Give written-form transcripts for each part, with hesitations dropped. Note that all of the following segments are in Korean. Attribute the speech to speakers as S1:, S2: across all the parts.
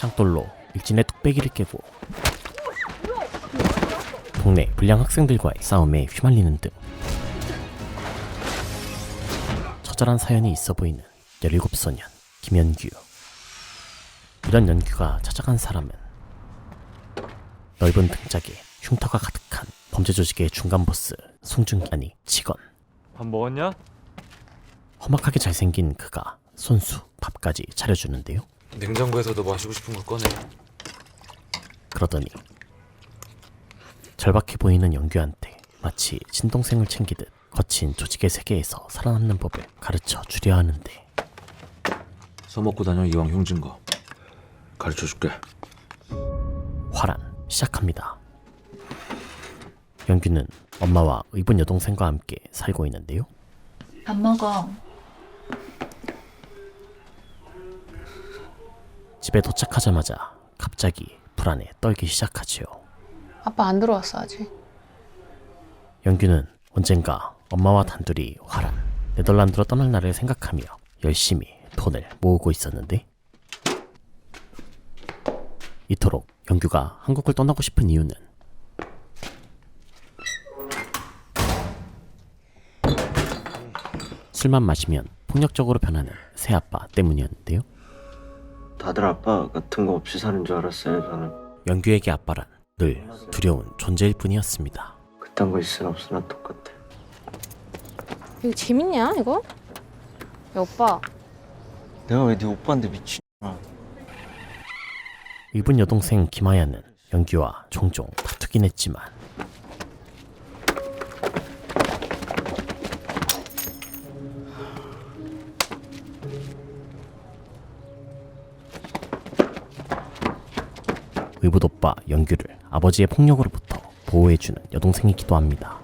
S1: 창돌로 일진의 뚝배기를 깨고 동네 불량 학생들과의 싸움에 휘말리는 등 처절한 사연이 있어 보이는 17소년 김연규. 이런 연규가 찾아간 사람은 넓은 등짝에 흉터가 가득한 범죄 조직의 중간 보스 송중기, 직원.
S2: 밥 먹었냐?
S1: 험악하게 잘생긴 그가 손수 밥까지 차려주는데요.
S2: 냉장고에서도 마시고 싶은 거 꺼내.
S1: 그러더니 절박해 보이는 연규한테 마치 친동생을 챙기듯 거친 조직의 세계에서 살아남는 법을 가르쳐 주려 하는데,
S2: 써먹고 다녀 이왕 흉진 거. 가르쳐줄게.
S1: 화란 시작합니다. 연규는 엄마와 의붓 여동생과 함께 살고 있는데요.
S3: 밥 먹어.
S1: 집에 도착하자마자 갑자기 불안에 떨기 시작하지요.
S4: 아빠 안 들어왔어 아직.
S1: 연규는 언젠가 엄마와 단둘이 화란 네덜란드로 떠날 날을 생각하며 열심히 돈을 모으고 있었는데, 이토록 연규가 한국을 떠나고 싶은 이유는 술만 마시면 폭력적으로 변하는 새아빠 때문이었는데요.
S5: 다들 아빠 같은 거 없이 사는 줄 알았어요. 저는
S1: 연규에게 아빠란 늘 두려운 존재일 뿐이었습니다.
S5: 그딴 거 있으나 없으나 똑같아.
S4: 이거 재밌냐 이거? 야 오빠.
S5: 내가 왜 네 오빠인데 미친.
S1: 의붓 여동생 김하야는 연규와 종종 다투긴 했지만 의붓 오빠 연규를 아버지의 폭력으로부터 보호해주는 여동생이기도 합니다.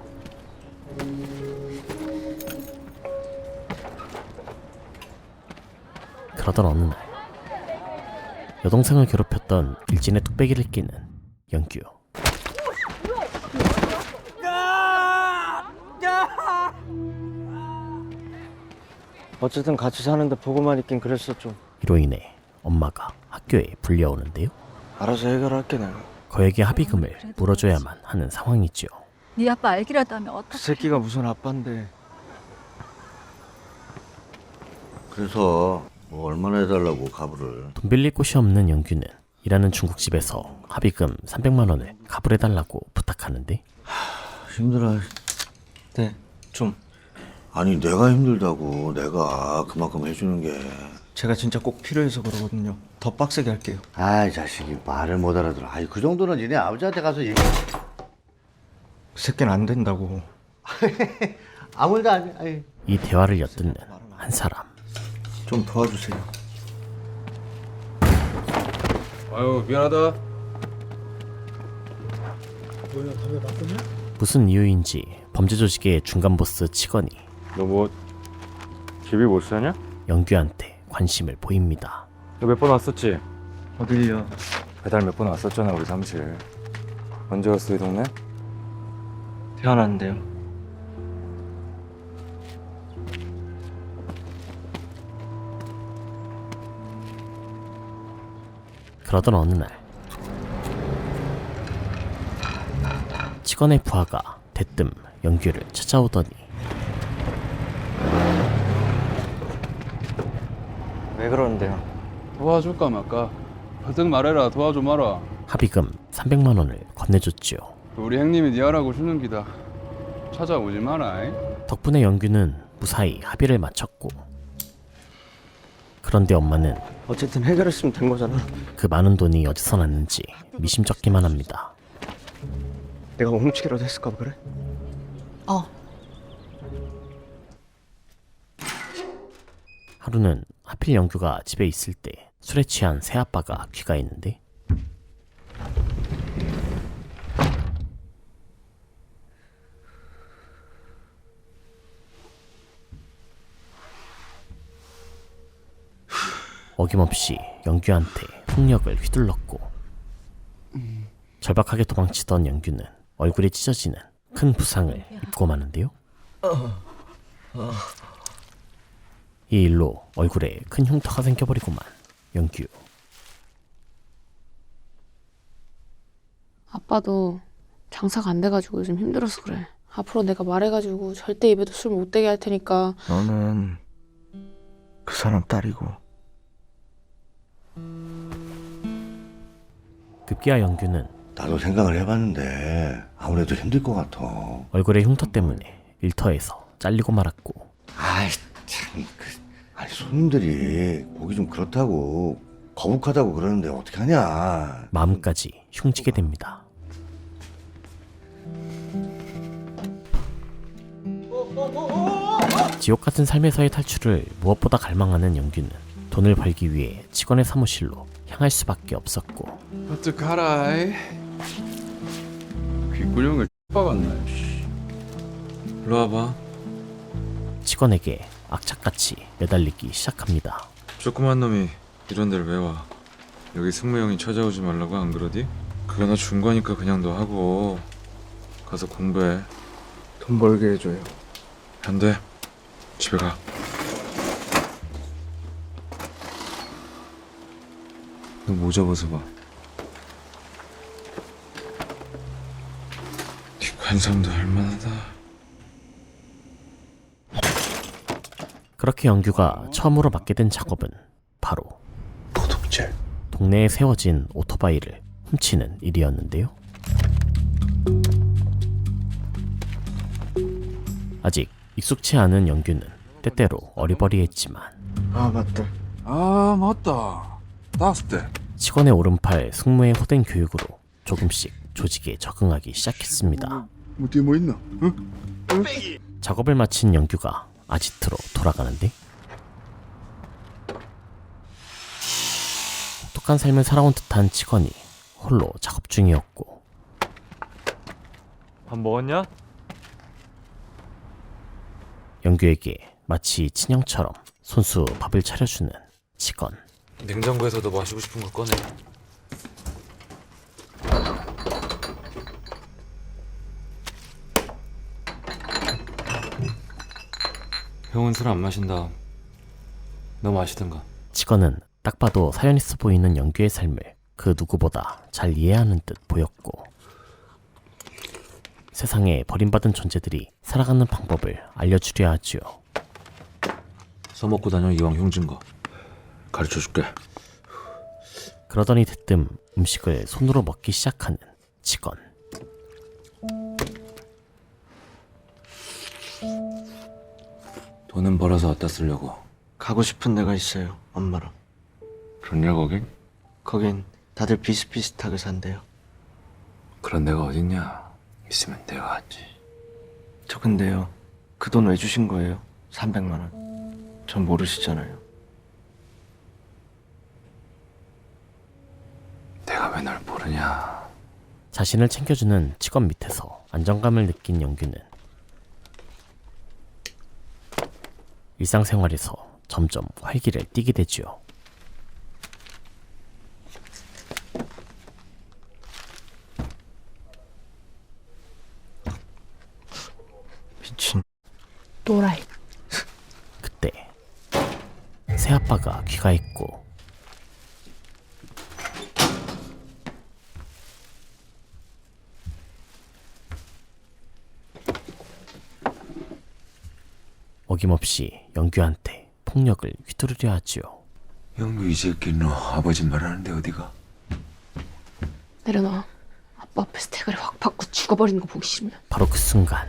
S1: 그러던 어느 날 여동생을 괴롭혔던 일진의 뚝배기를 끼는 연규.
S5: 어쨌든 같이 사는데 보고만 있긴 그랬어 좀.
S1: 이로 인해 엄마가 학교에 불려오는데요.
S5: 알아서 해결할게 내가.
S1: 거액의 합의금을 물어줘야만 하는 상황이지요.
S3: 네 아빠 알기라도 하면
S5: 그
S3: 어떡해.
S5: 새끼가 무슨 아빠인데.
S6: 그래서 뭐 얼마나 해달라고 가부를.
S1: 돈 빌릴 곳이 없는 연규는 일하는 중국집에서 합의금 300만 원을 가불해달라고 부탁하는데,
S6: 힘들어.
S5: 네, 좀.
S6: 아니 내가 힘들다고 내가 그만큼 해주는 게.
S5: 제가 진짜 꼭 필요해서 그러거든요. 더 빡세게 할게요.
S6: 아이 자식이 말을 못 알아들어. 아이 그 정도는 니네 아버지한테 가서 얘기.
S5: 그 새끼는 안 된다고.
S6: 아무 일도 아니. 아이.
S1: 이 대화를 엿듣는 한 사람.
S5: 좀 도와주세요.
S2: 아유 미안하다.
S1: 무슨 이유인지 범죄 조직의 중간 보스 직원이
S2: 너 뭐 집이 못 사냐?
S1: 연규한테 관심을 보입니다.
S2: 너 몇 번 왔었지?
S5: 어딜요?
S2: 배달 몇 번 왔었잖아 우리 사무실. 언제 왔어 이 동네?
S5: 태어났는데요.
S1: 그러던 어느 날 직원의 부하가 대뜸 연규를 찾아오더니
S5: 왜 그러는데요?
S7: 도와줄까 말까? 버뜩 말해라. 도와줘 마라.
S1: 합의금 300만 원을 건네줬지요.
S7: 우리 형님이 네 하라고 주는 기다. 찾아오지 마라.
S1: 덕분에 연규는 무사히 합의를 마쳤고, 그런데 엄마는
S5: 어쨌든 해결했으면 된 거잖아.
S1: 그 많은 돈이 어디서 났는지 미심쩍기만 합니다.
S5: 내가 훔치기라도 했을까 그래?
S4: 어.
S1: 하루는 하필 연규가 집에 있을 때 술에 취한 새아빠가 귀가했는데, 어김없이 연규한테 폭력을 휘둘렀고, 절박하게 도망치던 연규는 얼굴이 찢어지는 큰 부상을 입고 마는데요. 이 일로 얼굴에 큰 흉터가 생겨버리고만 연규.
S4: 아빠도 장사가 안 돼가지고 요즘 힘들어서 그래. 앞으로 내가 말해가지고 절대 입에도 술 못 대게 할 테니까.
S6: 너는 그 사람 딸이고
S1: 급기야 영규는
S6: 나도 생각을 해봤는데 아무래도 힘들 것 같아.
S1: 얼굴의 흉터 때문에 일터에서 잘리고 말았고
S6: 아이 참, 아니 손님들이 보기 좀 그렇다고 거북하다고 그러는데 어떻게 하냐.
S1: 마음까지 흉지게 됩니다. 지옥 같은 삶에서의 탈출을 무엇보다 갈망하는 영규는 돈을 벌기 위해 직원의 사무실로 향할 수밖에 없었고
S7: 어떡하라이. 귓구녕을 박았네.
S8: 일로 와봐.
S1: 직원에게 악착같이 매달리기 시작합니다.
S8: 조그만 놈이 이런 데를 왜 와? 여기 승무형이 찾아오지 말라고 안 그러디? 그거 나 준 거니까 그냥 너 하고 가서 공부해.
S2: 돈 벌게 해줘요.
S8: 안 돼. 집에 가. 너 모자 벗어봐. 네 관상도 할만하다.
S1: 그렇게 영규가 처음으로 맡게 된 작업은 바로
S6: 도둑질.
S1: 동네에 세워진 오토바이를 훔치는 일이었는데요. 아직 익숙치 않은 영규는 때때로 어리버리했지만
S6: 아 맞다.
S7: 아 맞다. 나왔을 때.
S1: 직원의 오른팔 승무의 호된 교육으로 조금씩 조직에 적응하기 시작했습니다.
S7: 뒤에 뭐 있나?
S1: 작업을 마친 영규가 아지트로 돌아가는데 독특한 삶을 살아온 듯한 직원이 홀로 작업 중이었고
S5: 밥 먹었냐?
S1: 영규에게 마치 친형처럼 손수 밥을 차려주는 직원.
S8: 냉장고에서 너 마시고 싶은 거 꺼내. 형은 술 안 마신다. 너 마시든가.
S1: 직원은 딱 봐도 사연 있어 보이는 영규의 삶을 그 누구보다 잘 이해하는 듯 보였고 세상에 버림받은 존재들이 살아가는 방법을 알려주려 하지요.
S8: 써먹고 다녀 이왕 흉진 거. 가르쳐줄게.
S1: 그러더니 대뜸 음식을 손으로 먹기 시작하는 직원.
S8: 돈은 벌어서 어디다 쓰려고?
S5: 가고 싶은 데가 있어요. 엄마랑.
S8: 그렇냐 거긴?
S5: 거긴 다들 비슷비슷하게 산대요.
S8: 그런 데가 어딨냐? 있으면 내가 갔지.
S5: 저 근데요. 그 돈 왜 주신 거예요? 300만 원. 전 모르시잖아요.
S8: 내가 왜 널 모르냐?
S1: 자신을 챙겨주는 직원 밑에서 안정감을 느낀 영규는 일상생활에서 점점 활기를 띠게 되지요.
S5: 미친.
S4: 또라이.
S1: 그때 새아빠가 귀가했고 어김없이 영규한테 폭력을 휘두르려 하지요.
S8: 영규 이 새끼 너 아버지 말하는데 어디가?
S4: 내려놔. 아빠 앞에서 대가리 확 받고 죽어버리는 거 보기 싫으면.
S1: 바로 그 순간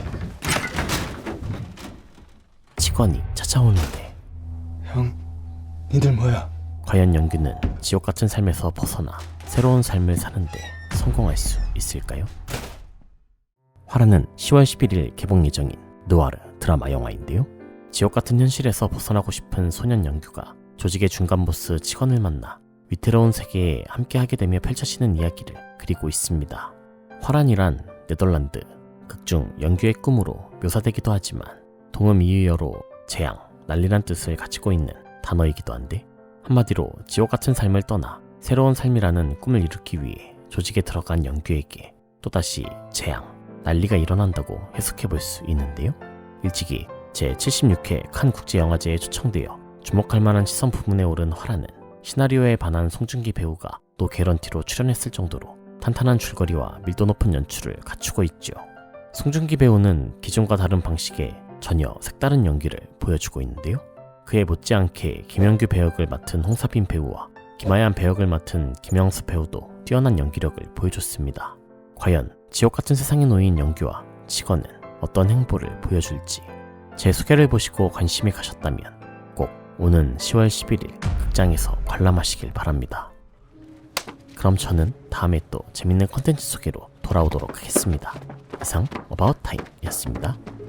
S1: 직원이 찾아오는데
S8: 형, 니들 뭐야?
S1: 과연 영규는 지옥 같은 삶에서 벗어나 새로운 삶을 사는데 성공할 수 있을까요? 화라는 10월 11일 개봉 예정인 느와르 드라마 영화인데요. 지옥 같은 현실에서 벗어나고 싶은 소년 영규가 조직의 중간 보스 직원을 만나 위태로운 세계에 함께하게 되며 펼쳐지는 이야기를 그리고 있습니다. 화란이란 네덜란드 극중 영규의 꿈으로 묘사되기도 하지만 동음 이유어로 재앙, 난리란 뜻을 가지고 있는 단어이기도 한데 한마디로 지옥 같은 삶을 떠나 새로운 삶이라는 꿈을 이루기 위해 조직에 들어간 영규에게 또다시 재앙, 난리가 일어난다고 해석해볼 수 있는데요. 일찍이 제76회 칸 국제영화제에 초청되어 주목할 만한 시선 부문에 오른 화라는 시나리오에 반한 송중기 배우가 또 개런티로 출연했을 정도로 탄탄한 줄거리와 밀도 높은 연출을 갖추고 있죠. 송중기 배우는 기존과 다른 방식의 전혀 색다른 연기를 보여주고 있는데요. 그에 못지않게 김영규 배역을 맡은 홍사빈 배우와 김하얀 배역을 맡은 김영수 배우도 뛰어난 연기력을 보여줬습니다. 과연 지옥같은 세상에 놓인 영규와 직원은 어떤 행보를 보여줄지 제 소개를 보시고 관심이 가셨다면 꼭 오는 10월 11일 극장에서 관람하시길 바랍니다. 그럼 저는 다음에 또 재밌는 컨텐츠 소개로 돌아오도록 하겠습니다. 이상 어바웃타임이었습니다.